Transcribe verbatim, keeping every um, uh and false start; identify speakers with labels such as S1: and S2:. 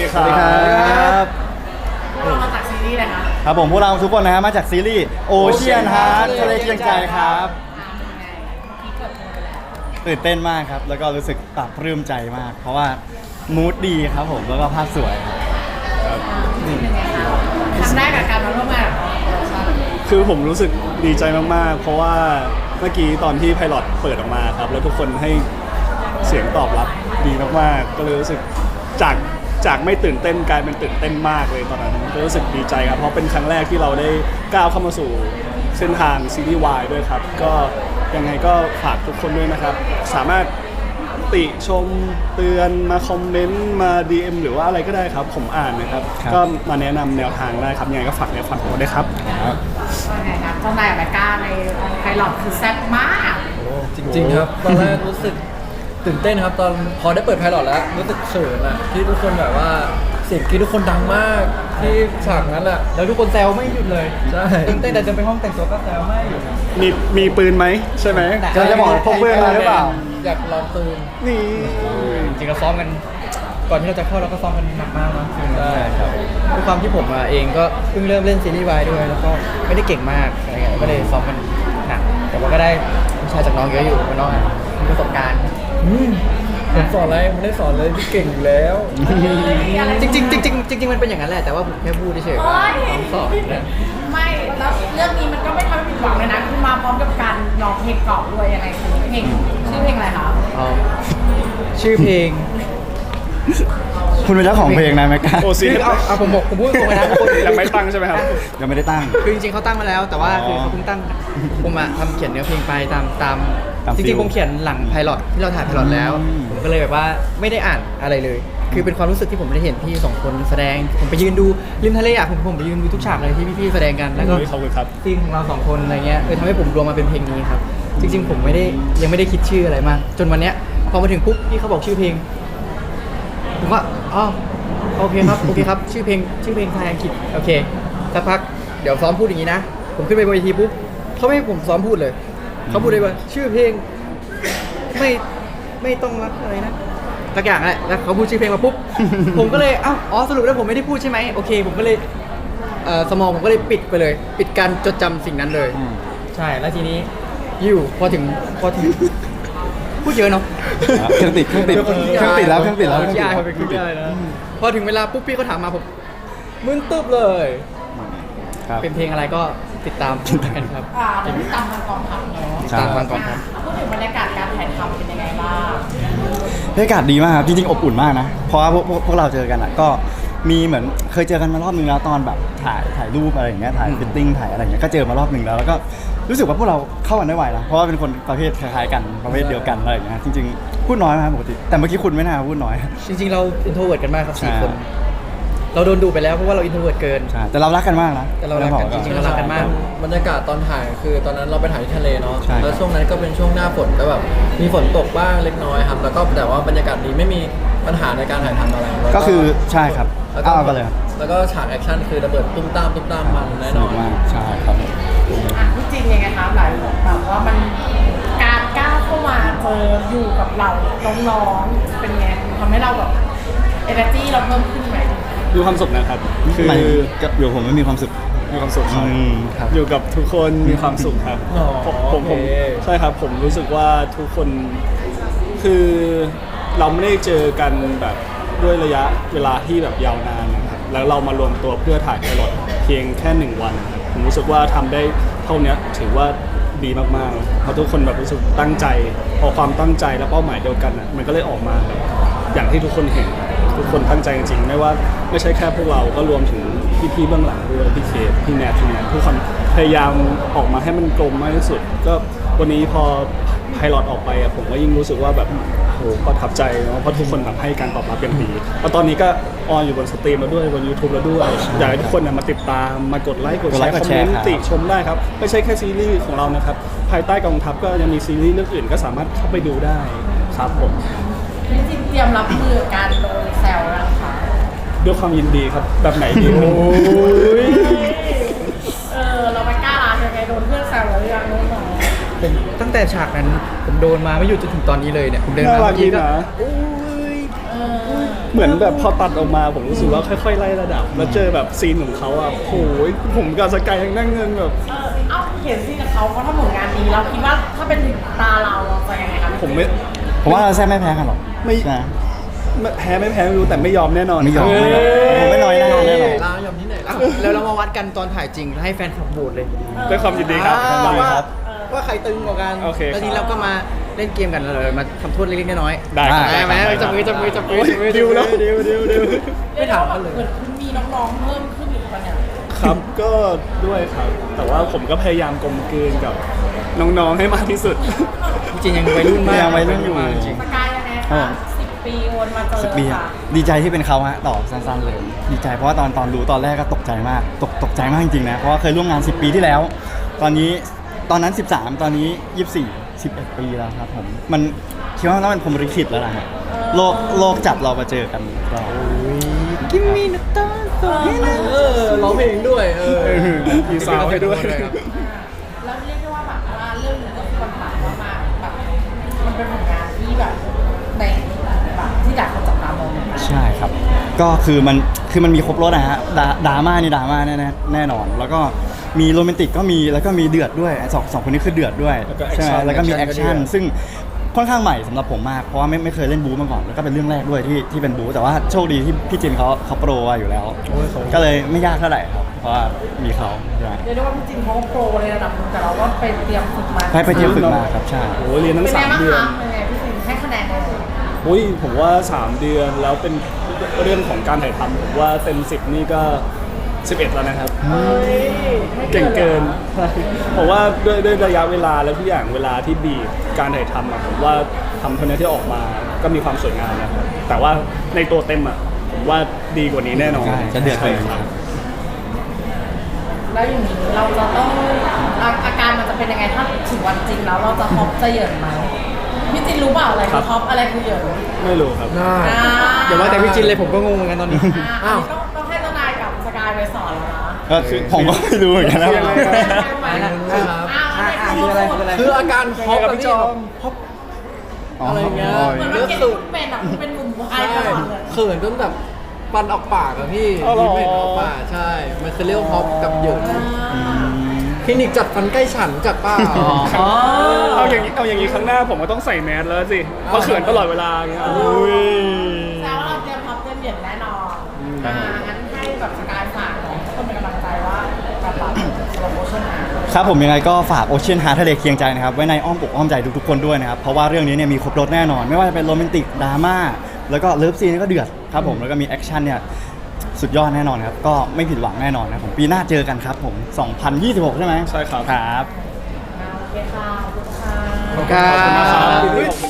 S1: สวัสดีครับ
S2: พวกเรามาจากซีรีส์อะไรคะ
S1: ครับผมพวกเราทุกคนนะฮะมาจากซีรีส์โอเชียนฮาร์ททะเลเคียงใจครับตื่นเต้นมากครับแล้วก็รู้สึกปลาบปลื้มใจมาก เพราะว่ามูดดีครับผมแล้วก็ภาพสวยครับ
S2: ครั้งแรกกับการมาร่วมงานกับ
S3: คือผมรู้สึกดีใจมากๆ เพราะว่าเมื่อกี้ตอนที่ไพลอตเปิดออกมาครับแล้วทุกคนให้เสียงตอบรับดีมากๆก็เลยรู้สึกจากจากไม่ตื่นเต้นกลายเป็นตื่นเต้นมากเลยตอนนั้นก็รู้สึกดีใจครับเพราะเป็นครั้งแรกที่เราได้ก้าวเข้ามาสู่เส้นทางซีรีส์วายด้วยครับก็ยังไงก็ฝากทุกคนด้วยนะครับสามารถติชมเตือนมาคอมเมนต์มา ดี เอ็ม หรือว่าอะไรก็ได้ครับผมอ่านนะครับก็มาแนะนำแนวทางได้ครับยังไงก็ฝากในฝากตัวด้วยครับ
S2: ว่าไงครับเจ้านายกับแม่ก้าในไพลอตคือแซ่บมาก
S4: จริงๆครับตอนแรกรู้สึกตื่นเต้นครับตอนพอได้เปิดไพลอตแล้วรู้สึกเขินอะที่ทุกคนแบบว่าเสียงกรี๊ดทุกคนดังมากที่ฉากนั้นอะแล้วทุกคนแซวไม่หยุดเลยใช่ตื่นเต้นแต่เดินไปห้องแต่งตัวก็แซวไม่หยุด
S3: มีมีปืนไหมใช่ไหม
S1: เราจะบอกพกปืนมาหรือเปล่า
S4: อยากลองปืน
S3: นี่
S4: จริงๆเราซ้อมกันก่อนที่เราจะเข้าเราก็ซ้อมกันหนักมากเนาะ
S1: ใช่ครับ
S4: ด้วยความที่ผมเองก็เพิ่งเริ่มเล่นซีรีส์วายด้วยแล้วก็ไม่ได้เก่งมากอะไรเงี้ยก็เลยซ้อมกันหนักแต่ว่าก็ได้วิชาจากน้องเยอะอยู่น้องมีประสบการณ์ผมสอนอะไรไม่ได้สอนเลยที่เก่งอยู่แล้วจริงๆจริงๆจริงๆมันเป็นอย่างนั้นแหละแต่ว่าผมแค่พูดเฉยๆว่าน้องสอนนะ
S2: ไม่แล้วเรื่องนี้มันก็ไม่ทำให้ผิดหวังเลยนะคือมาพร้อมกับการร้องเพลงเก่าด้วยยังไงคือเพลงชื่อเพลงอะไรคะ
S4: อ๋อชื่อเพลง
S1: คุณเป็นเจ้าของเพลงนะแม็กกา
S3: โอซี
S4: เอาเอาผมบอกผมพูดตรงๆนะ
S3: ยังไม่ตั้งใช่ไหมครับ
S1: ยังไม่ได้ตั้ง
S4: คือจริงๆเขาตั้งมาแล้วแต่ว่า
S1: อ๋อ
S4: คือเขาเพิ่งตั้งผมอะทำเขียนเนื้อเพลงไปตามตาม
S1: ตาม
S4: จ
S1: ฟิ
S4: ริง
S1: ล
S4: ๆผมเขียนหลังไพลอตที่เราถ่ายไพลอตแล้ว
S1: อืม
S4: ผมก็เลยแบบว่าไม่ได้อ่านอะไรเลย คือเป็นความรู้สึกที่ผมได้เห็นพี่สองคนแสดง ผมไปยืนดูริมทะเลอะผมผมไปยืนดูทุกฉากเลยที่พี่ๆแสดงกันแล้วก็
S3: ขอบคุณครับ
S4: ซีนของเราสองคนอะไรเงี้ยเลยทำให้ผมรวมมาเป็นเพลงนี้ครับจริงๆผมไม่ได้ยังไม่ได้คิดชื่ออะไรมากจนวันเนี้ยพอมาถึงปุ๊บพี่เขาบอกชื่อเพลงผมว่าอ๋อโอเคครับโอเคครับชื่อเพลงชื่อเพลงไทยอังกฤษโอเคสักพักเดี๋ยวซ้อมพูดอย่างนี้นะผมขึ้นไปบนเวทีปุ๊บเขาไม่ให้ผมซ้อมพูดเลยเขาพูดเลยว่าชื่อเพลงไม่ไม่ต้องรักอะไรนะสักอย่างแหละแล้วเขาพูดชื่อเพลงมาปุ๊บ ผมก็เลยอ้าวอ๋อสรุปแล้วผมไม่ได้พูดใช่ไหมโอเคผมก็เลยเอ่อสมองผมก็เลยปิดไปเลย ปิดการจดจำสิ่งนั้นเลย
S1: อืม
S4: ใช่แล้วทีนี้อยู่พอถึงพอถึง พูดเยอะเนาะ
S1: เครื่องติดเครื่องติดเครื่องติดแล้วเครื่องติดแล้วเครื่องติด
S4: ใช่
S1: แล้ว
S4: เป็นคลิปได้นะพอถึงเวลาปุ๊บพี่เขาถามมาผมมึนตึ๊บเลย
S1: ครับ
S4: เป็นเพลงอะไรก็ติดตามกันครับ
S2: อ่าเดี๋ยวตามทางกองทัพเนาะ
S4: ติดตามฟังก่อนครับ
S2: พูดถึงบรรยากาศการถ่ายทำเป็นยังไงบ้าง
S1: บรรยากาศดีมากครับจริงๆอบอุ่นมากนะ เพราะว่าพวกพวกพวกเราเจอกันอ่ะก็มีเหมือนเคยเจอกันมารอบนึงแล้วตอนแบบถ่ายถ่ายรูปอะไรอย่างเงี้ยถ่ายฟิตติ้งถ่ายอะไรอย่างเงี้ยก็เจอมารอบนึงแล้วแล้วก็รู้สึกว่าพวกเราเข้ากันได้ไวนะเพราะว่าเป็นคนประเภทคล้ายๆกันประเภทเดียวกันอะไรอย่างเงี้ยจริงๆพูดน้อยนะครับปกติแต่เมื่อกี้คุณไม่น่าพูดน้อย
S4: จริงๆเราอินโทรเวิร์ดกันมากครับสี่
S1: ใช่
S4: คน เราโดนดูไปแล้วเพราะว่าเราอินโทรเวิร์ดเกิน
S1: ใช่แต่เรารักกันมากนะ
S4: แต่เรารักกันจริงๆเรารักกันมาก
S5: บรรยากาศตอนถ่ายคือตอนนั้นเราไปถ่ายที่ทะเลเนาะ
S1: ใช่ครับ
S5: แล้วช่วงนั้นก็เป็นช่วงหน้าฝนก็แบบมีฝนตกบ้างเล็กน้อยครับแล้วก็แต่ว่าบรรยากาศดีไม่มีปัญหาในการถ่ายทำอะไรแล้ว
S1: ก็คือใช่ครับ
S5: แล้วก็
S1: เอากันเลยครับ
S5: แล้วก็ฉากแอคชั่นคือระเบิดตุ้มตามตุ้มตามมันแน่
S1: ส
S5: น
S1: นุ
S5: อก น
S1: มากใช่ครับ
S2: อ่ะพี่จริงยังไงคะหลายคนแบบว่ามันการก้าวเข้ามาเจออยู่กับเราน้องๆเป็นไงทำให้เราแบบเอเนอร์จีเราเพิ่มขึ้นไหม
S3: มีความสุขนะครับคือ
S1: มันกับอยู่ผมไม่มีความสุข
S3: มีความสุขครับ
S1: อืมครับ
S3: อยู่กับทุกคนมีความสุขครับ
S5: อ๋อ
S3: ผมผมผม
S5: โอเค
S3: ใช่ครับผมรู้สึกว่าทุกคนคือเราไม่ได้เจอกันแบบด้วยระยะเวลาที่แบบยาวนานนะครับแล้วเรามารวมตัวเพื่อถ่ายไพลอตเพียงแค่หนึ่งวันนะครับผมรู้สึกว่าทำได้เท่านี้ถือว่าดีมากๆเพราะทุกคนแบบรู้สึกตั้งใจพอความตั้งใจและเป้าหมายเดียวกันอ่ะมันก็เลยออกมาแบบอย่างที่ทุกคนเห็นทุกคนตั้งใจจริงๆไม่ว่าไม่ใช่แค่พวกเราก็รวมถึงพี่ๆเบื้องหลังด้วยพี่เคทพี่แนทพี่แนททุกคนพยายามออกมาให้มันกลมมากที่สุดก็วันนี้พอไพลอตออกไปอะผมก็ยิ่งรู้สึกว่าแบบโหประทับใจเนาะเพราะทุกคนแบบให้การตอบรับเป็นดีแล้วตอนนี้ก็ออนอยู่บนสตรีมแล้วด้วยบน YouTube แล้วด้วยอยากให้ทุกคนน่ะมาติดตามมากดไลค์กด
S1: กด
S3: แช
S1: ไลค์
S3: ร์
S1: ก
S3: ค
S1: ด
S3: อม
S1: แช
S3: เม
S1: ร์
S3: นต์
S1: ครับ
S3: ติชมได้ครับไม่ใช่แค่ซีรีส์ของเรานะครับภายใต้กองทัพก็ยังมีซีรีส์เรื่องอื่นก็สามารถเข้าไปดูได้ครับผม
S2: พี่จริงเตรียมรับมือกับการโดนแซวแล้วนะคะ
S3: ด้วยความยินดีครับแบบไหนดีโอ้ย
S2: เออเราไม่กล้าลาใช่ไหมโดนเพื่อนแซวแล้วยังน้อง
S4: ผมตั้งแต่ฉากนั้นผมโดนมาไม่หยุดจนถึงตอนนี้เลยเนี่ยผมเดิน
S3: น่า
S4: มา
S3: รัก
S4: เมื่อ
S3: ดี
S4: กี้ก็
S3: นะ
S4: โอ้ย
S2: ๆเออ
S3: เหมือนแบบพอตัดออกมาผมรู้สึกว่าค่อยๆไล่ระดับ แล้วเจอแบบซีนของเขาอ่ะโอ้ยผมกับสกายยังนั่งเงินแบบ
S2: เออเอ้าเห็นสิกับเขาเขาทำผลงานดีเราคิดว่าถ้าเป็นถึงตาเราเราจะยังไงครับ
S3: ผมไม่
S1: ผมว่าเราแซ่บไม่แพ้กันหรอก
S3: ไม่
S1: นะ
S3: ไม่แพ้ไม่แพ้ไม่รู้แต่ไม่ยอมแน่นอน
S1: ไม่ยอม
S3: ครับ
S1: ไม่ยอมผมไม่น้อยหน้าแน่นอน
S5: ลายอมที่ไหนล่ะ
S4: แล้วเรามาวัดกันตอนถ่ายจริงให้แฟนคลับโหวตเลย
S3: ด้วยความยินดีครับ
S4: อ่า
S3: ยินดี
S4: ว่า
S3: ครับ
S4: ว่าใครตึงกว่ากัน
S3: โอเคครับ
S4: แล้วทีนี้เราก็มาเล่นเกมกันแล้วเรามาทำโทษเล็กๆน้อยๆ
S3: ได้ครับ
S4: ได้ไหม
S3: ได้ครับ
S4: จับมือจับมือจับมือ
S3: โอ้ย
S4: จับมือ
S3: ดิวแล้วดิวดิวดิว
S4: ไม่ถามกันเลย
S2: เหมือนคุณมีน้องๆเพิ่มขึ้นอีกปะเนี่ย
S3: ครับก็ด้วยครับ แต่ว่าผมก็พยายามกลมกลืนกับน้องๆให้มากที่สุด
S4: จริงๆยังวัยรุ่นมาก
S1: ยังวัยรุ่นอยู่
S4: จริง
S2: สกายยังไง
S1: ครั
S2: คะ
S1: บ
S2: สิบปีวนมาเจอ
S1: สิบปีอะ
S2: ค่ะ
S1: ดีใจที่เป็นเขาฮะตอบสั้นๆเลย ดีใจเพราะว่าตอนตอนรู้ตอนแรกก็ตกใจมากตกตกใจมากจริงๆนะเพราะว่าเคยร่วมงานสิบปีที่แล้ว ตอนนี้ตอนนั้นสิบสามตอนนี้ยี่สิบสี่ สิบเอ็ดปีแล้วครับผมมันคิดว่าน่าเป็นพรหมลิขิตแล้วล่ะฮะโลกโลกจับเรามาเจอกันก็
S4: กิมมี่นัตตาโตฮินะ
S5: เออร้องเพลงด้วยเออ
S3: มีสาวให้ด้วย
S4: ครับ
S2: แล้วเรียกได้ว่าแบบว่าเรื่องนี้ก็คือมันผ่านมากๆแบบมันเป็นผลงานที่แบบในแบบที่หลายคนจับตามองเหมือนกัน
S1: ใช่ครับ ก็คือมันคือมันมีครบรสนะฮะดราดราม่านี่ดราม่าแน่ๆแน่นอน แล้วก็มีโรแมนติกก็มีแล้วก็มีเดือดด้วยสองสองคนนี้คือเดือดด้วย
S3: แล้วก็
S1: ใช่ไหม
S3: action
S1: แล้วก็มีแอค
S3: action
S1: ชั่น
S3: ก็เดือด
S1: ซึ่งค่อนข้างใหม่สำหรับผมมากเพราะว่าไม่ไม่เคยเล่นบู๊มาก่อนแล้วก็เป็นเรื่องแรกด้วยที่ที่เป็นบู๊แต่ว่าโชคดีที่พี่จินเขาเขาโปรอยู่แล้ว ก็เลยไม่ยากเท่าไหร่ครับเพราะว่ามีเขาใช่
S2: เรียกได้ว่าพี่จินเขาก็โปรในระดับหนึงแต่เราก็ไปเตรียมฝึกมา
S1: ไปไปเที่ยวฝึกมาครับใช่
S3: โอ้เรียนทั้
S2: เป็
S3: ง
S2: นไง
S3: สาม
S2: บ้าง
S3: เดือน
S2: คะเป็นไงพี่จินให้คะแนนเลย
S3: อุ้ยผมว่าสามเดือนแล้วเป็นเรื่องของการถ่ายทำผมว่าเต็มสิบนี่ก็สิบเอ็ดแล้วนะครับ
S2: เฮ้ยให้
S3: เก่งเกิน
S2: ลยหรอ
S3: ผมว่าด้วยด้วยระยะเวลาและทุกอย่างเวลาที่บีบการถ่ายทำอะผมว่าทำเท่านี้ที่ออกมาก็มีความสวยงามนะครับแต่ว่าในตัวเต็มอ่ะผมว่าดีกว่านี้แน่นอน
S1: ใช่จะเดือดเลย
S3: ใช่ครับ
S2: แล้วอย่างนี้เราจะต้องอาอาการมันจะเป็นยังไงถ้าถึงวันจริงแล้วเราจะฮอปจะเหยินไหมพี่จินรู้เปล่าอะไรคือฮอปอะไรคือเหยิน
S3: ไม่รู้ครับ
S4: น่า
S2: อ่า
S4: เดี๋ยวว่าแต่พี่จินเลยผมก็งงเหมือนกันตอนนี้
S2: อ่าอันนี้ต้องต้องให้เจ้านายกับสกายไปสอนแล้วนะ
S1: ก็คือผมก็ไม่รู้เหมือนกันนะ
S3: คือยังไงครับ
S2: อ่า
S4: อ่า
S2: อ่า
S4: คืออะไรคืออะไร
S5: คืออาการฮอป
S3: ยังไงครับ
S5: แบบ
S3: พี่
S5: นี้
S3: จอม
S5: ฮอป
S1: อ๋อ
S5: อะไรเงี้ย
S2: เหมือนว่าเกมที่เป็นอ่ะคุณเป็นหนุ่มไทย
S5: ใช่
S2: ตลอดเลย
S5: เขินจนแบบฟันออกปากอะพี่
S3: อ๋อเหรอ
S5: ยิ้มไม่ออกปากใช่ มันคือเรียกว่าฮอปกับเหยินคลินิกจัดฟันใกล้ฉันจัดเป้า
S3: เอาอย่างนี้เอาอย่างนี้ครั้งหน้าผมก็ต้องใส่แมสแล้วสิเพราะเขินตลอดเวลาอย่างเงี้ยอุ้ย
S2: แซวเราเตรียมฮอปเตรียมเหยินแน่นอนอ่างั้นให้แบบสกายฝากหน่อยคนเป็นกำลังใจว่าการปรับสโลโมชั่นนะครับ
S1: ผมยังไงก็ฝากโอเชียนฮาร์ทะเลเคียงใจนะครับไว้ในอ้อมอกอ้อมใจทุกๆคนด้วยนะครับ เพราะว่าเรื่องนี้เนี่ยมีครบรถแน่นอน ไม่ว่าจะเป็นโรแมนติกดราม่าแล้วก็เลิฟซีนก็เดือดครับผมแล้วก็มีแอคชั่นเนี่ยสุดยอดแน่นอนครับ ก็ไม่ผิดหวังแน่นอนนะครับผมปีหน้าเจอกันครับผมสองพันยี่สิบหกใช่ไหม
S3: ใช่ครับ
S1: ครับ
S2: โอเคค่ะขอบคุณค่ะ
S4: ขอบคุณครับ
S3: ขอบคุณนะครับ